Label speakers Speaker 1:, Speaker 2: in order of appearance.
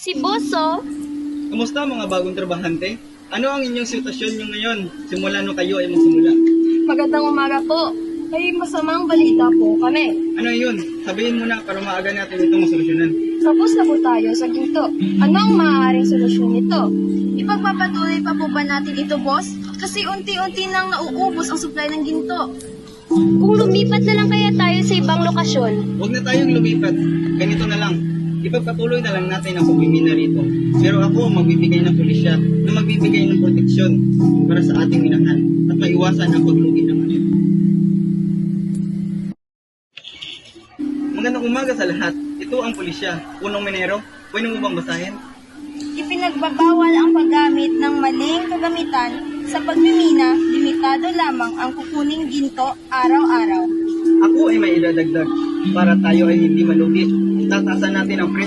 Speaker 1: Si Boso,
Speaker 2: Kumusta mga bagong trabahante? Ano ang inyong sitwasyon nyo ngayon simula nung kayo ay magsimula?
Speaker 3: Magandang umaga po. May masamang balita po kami.
Speaker 2: Ano yun? Sabihin mo na para maaga natin itong masolusyonan.
Speaker 3: Tapos na po tayo sa ginto. Ano ang maaaring solusyon nito?
Speaker 4: Ipagpapatuloy pa po ba natin ito, boss? Kasi unti-unti nang nauubos ang supply ng ginto.
Speaker 1: kung lumipat na lang kaya tayo sa ibang lokasyon,
Speaker 2: Huwag na tayong lumipat. Ganito na lang. Ipagpatuloy na lang natin ang pagmimina rito. Pero ako ang magbibigay ng pulisya na magbibigay ng proteksyon para sa ating minahan at maiwasan ang paglugi ng ano. Magandang umaga sa lahat. Ito ang pulisya. Punong Minero. Pwede mo bang basahin?
Speaker 4: Ipinagbabawal ang paggamit ng maling kagamitan sa pagmimina, limitado lamang ang kukuning ginto araw-araw.
Speaker 2: Ako ay may idadagdag para tayo ay hindi malugi. Tatasan natin ang